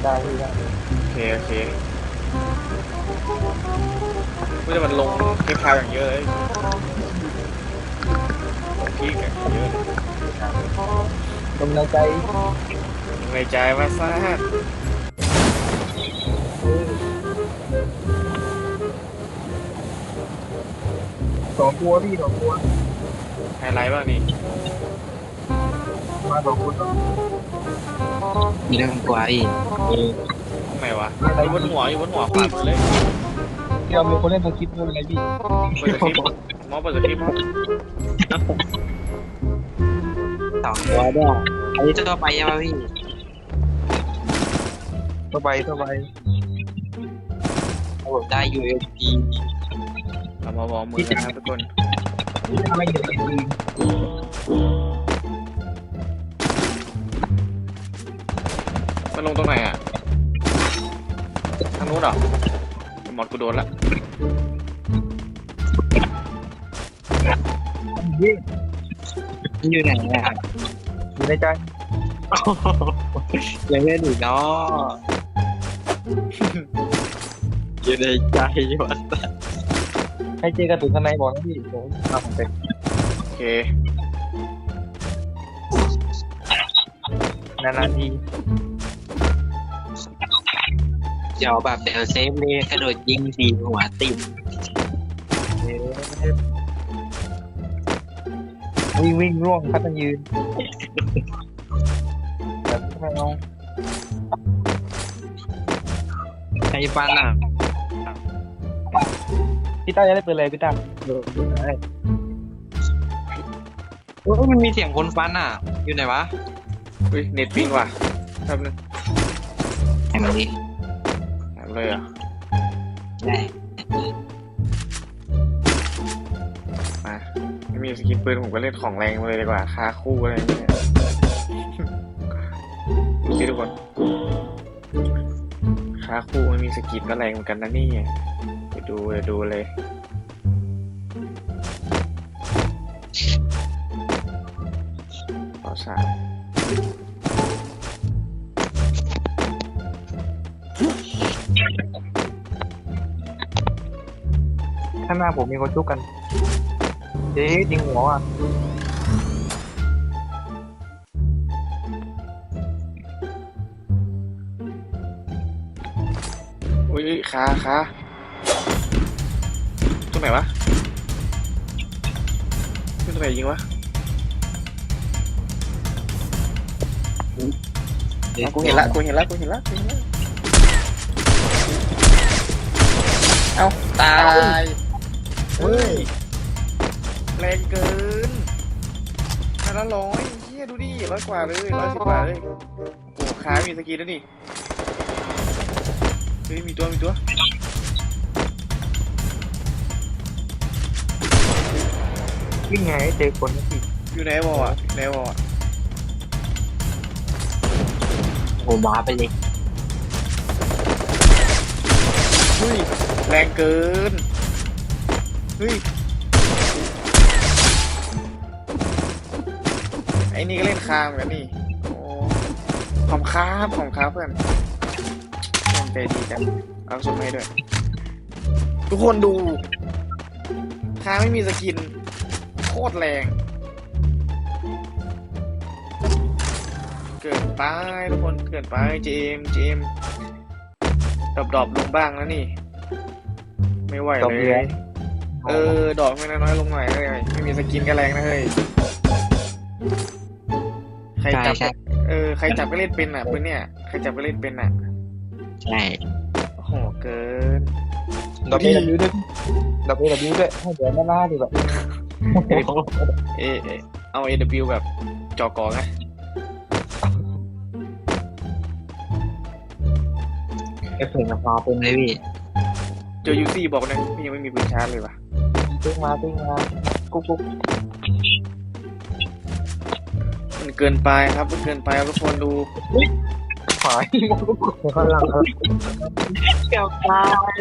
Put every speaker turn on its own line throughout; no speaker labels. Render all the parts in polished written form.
ได้พี่ได้
โอเคโอเคไม่ได้มันลงคลิปพาวอย่างเยอะเลยลงพีกอย่างเยอะเลย
ลมในใจ
ในใจว่าซ่า
สองตัวพี่สองตัว
ไฮไลท์บ้างนี่
มาสองคน
มีเรื่องกลัวอีก
ตรงไหนวะอยู่บนหัวขวามือเลย
ที่เรามีคนเล่นตัวคลิปด้วยไงพี่
เปิดสคริปต์มอเปิดสคริปต์
2 ตัวด้วยอันนี้ตัวไปยังไงพี่
ตัวใบตัวใบ
ผมได้ USP
เรามาวอร์มมือนะครับทุกคน
ทำไมเห็นจริง
มันลงตรงไหนอ่ะทางนู้นเหรอหมดกูโดนละ
พี่
อยู่ไหนอ่ะ
อยู่ในใจ
ยังไม่ถึงเนาะอยู่ในใจวัด
ให้เจกระตุ้นข้างในบอกนะพี่ผมทำเป็น
โอเคน
านๆที
เดี๋ยวแบบเดี๋ยวเซฟเลยกระโดดยิงทีหัวติด
วิ่งร่วงพัดยืนแบบไม่เอา
ใครฟันอ่ะ
พี่ต้าจะได้เปิดเลยพี่ต้าได้
โอ้มันมีเสียงคนฟันอ่ะอยู่ไหนวะ
อุ้ยเน็ตปิ้งว่ะแป๊บนึง
ไหนมาดิ
หายเลยอ่ะ
ได้
มาไม่มีสกินปืนผมก็เล่นของแรงมาเลยดีกว่าคาคู่อะไรอย่างเงี้ยดูสิทุกคนคาคู่ไม่มีสกินก็แรงเหมือนกันนะนี่เดี๋ยวดูเลยต่อสาม
ข้างหน้าผมมีคนชุกกันเจ๊ยิงหัวอ่ะ
อุ้ยขาตรงไหนวะตรงไหนยิงวะเอากูเห็นละเอาตายเฮ้ยแรงเกินพันละ100เฮียดูดิ100 กว่าเลย110 กว่าเลยโอ้ขามีสกีแล้วนี่เฮ้ยมีตัว
วิ่งไงเจอคนนะพี่
อยู่ในวอลอ่ะในวอลอ่ะ
โอ้บ้าไปเลย
เฮ้ยแรงเกินเฮ้ยไอ้นี่ก็เล่นคามกันนี่โอ้ขอบครับเพื่อนใจดีจังเอาส่งให้ด้วยทุกคนดูคาไม่มีสกินโคตรแรงเกินไปทุกคนเกินไปเจมดรอปลงบ้างนะนี่ไม่ไหวเลยดอกไม่น้อยลงหน่อยเลยไม่มีสกินก็แรงนะเฮ้ยใครจับก็เล่นเป็นอ่ะปืนเนี่ยใครจับก็เล่นเป็นอ่ะ
ใช่
โอ้โหเกิน
ดอกเอวด้วยดอกเอวด้วยให้เดี๋ยวหน้าดีแบบ
เอา AW แบบจอกอไง
ไอ้เพื่อนกับพอเป็นเลยพี่
เจอ UC บอกนะพี่ยังไม่มีปืนชาร์จเลยว่ะ
ติ้งมากุ๊ก
มันเกินไปครับทุกคนดู
หายข้างหลัง
เกี่ยวตาย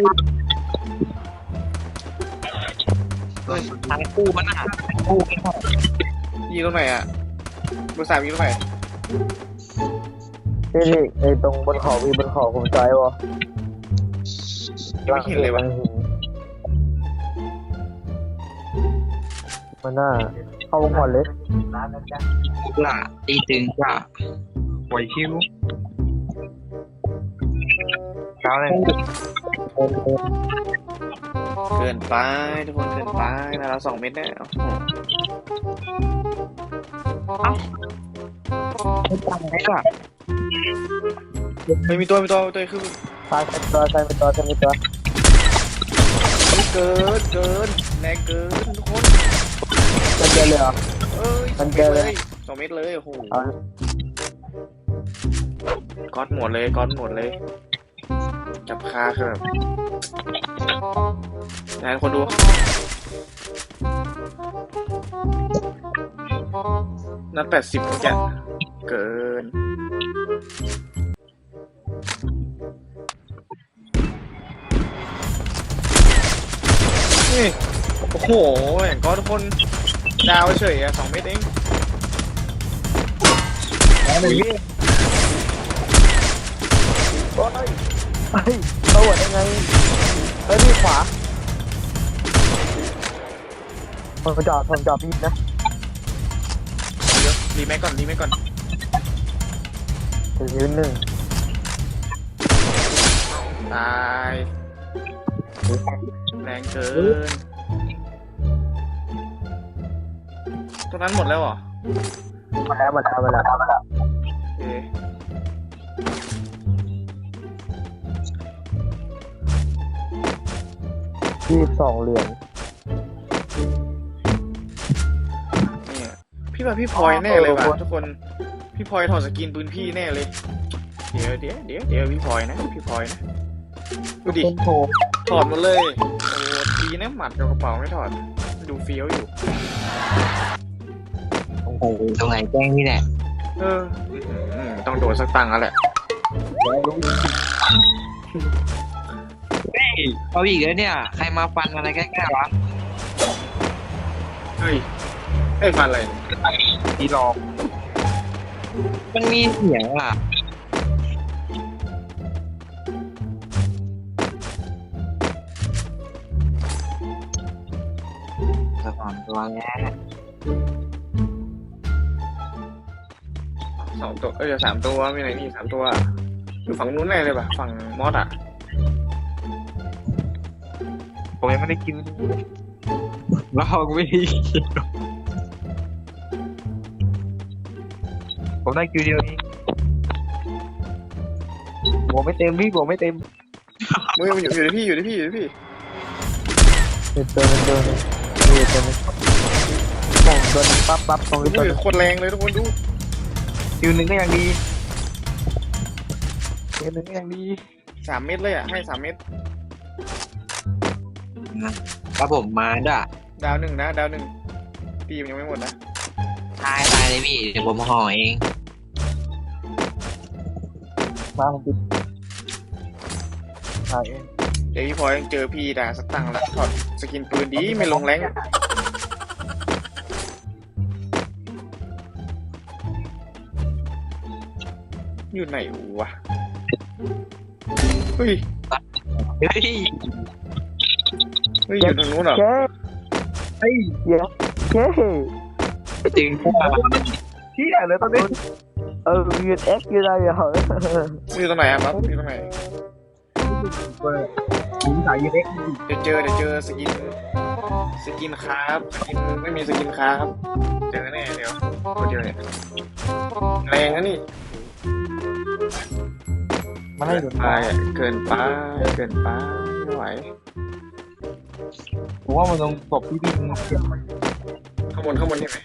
ทางคู่มันอ่ะคู่กัน
ยิงตรงไหนอ่ะเบอร์ 3ยิงตรงไหน
พี่ไอ้ตรงบนเขามีบนเขาผมจอยวะ
ไม่เห็นเลยวะ
มันน่าเข้าวงก่อนเลย
ร้านนั้นจ้ะ
ล่ะตีตึงจ้ะ
ปล่อยคิวเช้าเลย
เกินไปทุกคนเกินไปนะเรา2 เม็ดแน่โอ้โห
ไม่ตายล่ะ
เฮ้ยมีตัวคือ
ตายเป็นตัวตายเป็นตัวตายเป็นตัว
เกินแรงเกินทุกคน
มันเจอเลยเหรอ
เอ้ย
มันเกินเลย
2 เม็ดเลยโอ้โห
เอา
ก๊อตหมดเลยจับคาคือแบบนะคนดูนัด80เมื่อกี้เกินนี่โอ้โหอย่างก็ทุกคนดาวเฉยอะ2 เม็ดเอง
แล้วเลยพี่
เฮ้ยเขาหัวได้ไงเฮ้ยพี่ขวาผมจอดพี่นะ
เดี๋ยวรีแม็กก่อน
ถึงยืนหนึ่ง
ตายแรงเกินตรงนั้นหมดแล้วเหรอ
มาแล้ว
โอเค
22เหรียญ
เนี่ยพี่ว่าพี่พลอยแน่เลยว่ะทุกคนพี่พลอยถอดสกินปืนพี่แน่เลยเดี๋ยวพี่พลอยนะดูดิ
เป็นโถ
ถอดหมดเลยโอ้ดีนะหมัดกับกระเป๋าไม่ถอดดูเฟี้ยวอยู่
โอ้โหตรงไหนแจ้งนี่แหละ
ต้องโดนสักตังค์แล้วแหละ
เฮ้ยเอาอีกแล้วเนี่ยใครมาฟันอะไรใกล้ๆวะ
เฮ้ยไอ้ฟันอะไร
พี่หลอก
มันมีเสียงอ่ะสะท้อนตัวแล้ว
2 ตัวเดี๋ยว3 ตัวมีไหนนี่3 ตัวอยู่ฝั่งนู้นแน่เลยป่ะฝั่งมอสอ่ะ
ผมยังไม่ได้กิน
ลองไม่ดี
ผมได้คิวเดียวนี้หัวไม่เต็มพี่หัวไม่เต็ม
มือมันอยู่ในพี่
เป็นตัวนึงนี่ตัวนึงผมโดนปั๊บตรงนี้ตัว
มื
นึ
อง โคตรแรงเลยทุกคนดู
คิวหนึ่งก็ยังดีคิวหนึ่งก็ยังดี
3 เม็ดเลยอ่ะให้3 เม็ด
แล้วผมมาด้วย
ดาวหนึ่งนะดาวหนึ่งปีมันยังไม่หมดนะ
ตายเลยพี่เดี๋ยวผมห่อเอง
มาผมปิดถ่ายเอง
เดี๋ยวพี่พลอยเจอพี่ด่าสักตังค์ละถอดสกินปืนดีไม่ลงแรงอยู่ไหนวะเฮ้ย
เฮ้ย
อยู่ทางนู้นเหรอ
เจ๊เฮ้ยเดี๋ยวเจ๊
จริง
พี่อะไรตอนนี้
ยืนเอ็กยืนอะไรเหรอ
อยู่ตรงไหนอะปั๊บอยู่ตรงไหน
ผมสายยืนเอ็ก
เดี๋ยวเจอสกินครับสกินไม่มีสกินครับเจอแน่เดี๋ยวคนเดียวเนี่ยแรงนะนี่
มาให้ดู
เกินไปไม่ไหว
ผมว่ามันต้องตบพี่
ข้างบนเห็นไหม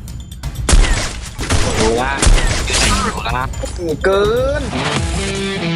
ดูว่าอยู่ไหนอยู่ละ
เกิน